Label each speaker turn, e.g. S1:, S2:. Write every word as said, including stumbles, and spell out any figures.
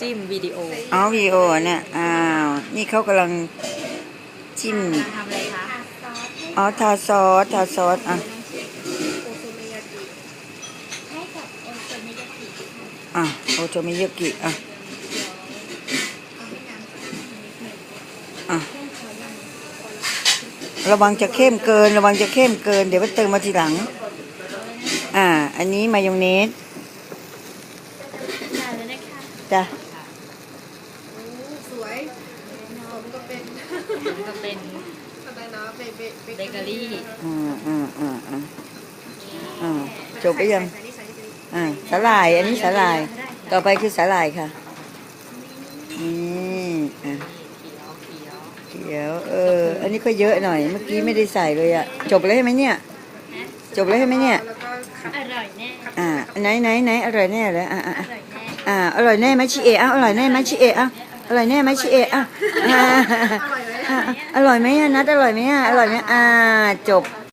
S1: จิ้มวิดีโอ
S2: อ๋อวิดีโอเนี่ยอ้าวนี่เขากำลังจิ้ม
S1: กำลังทำอะไรคะ
S2: อ๋อทาซอสทาซอสอ่ะอ่ะโอโทมิยากิอ่ะอ่ะระวังจะเข้มเกินระวังจะเข้มเกินเดี๋ยวไปเติมมาทีหลังอ่าอันนี้มายองเนสจ้ะ
S3: สวยผมก็เป็น
S1: ก็เป็น
S3: อะไรนะเบเบ
S1: เบเกอรี่
S2: อืมอืมอืมอืมอืมจบไปยังอ่าสาหร่ายอันนี้สาหร่ายต่อไปคือสาหร่ายค่ะนี่อ่ะ
S1: เขียวเขียว
S2: เดี๋ยวเอออันนี้ก็เยอะหน่อยเมื่อกี้ไม่ได้ใส่เลยอะจบเลยใช่ไหมเนี่ยจบเลยใช่ไหมเนี่ย
S3: แล้วก็ขัด
S1: อร่อยแน่
S2: อ่าไหนไหนไหนอร่อยแน่เลยอ่าอ่า
S1: อร่อยแน่
S2: อ่าอร่อยแน่ไหมชิเอะอ่ะอร่อยแน่ไหมชิเอะอ่ะอร่อยแน่ไหมชิเอะอ่ะอ่าอร่อยไหมอ่ะนัดอร่อยไหมอ่ะอร่อยไหมอ่ะจบ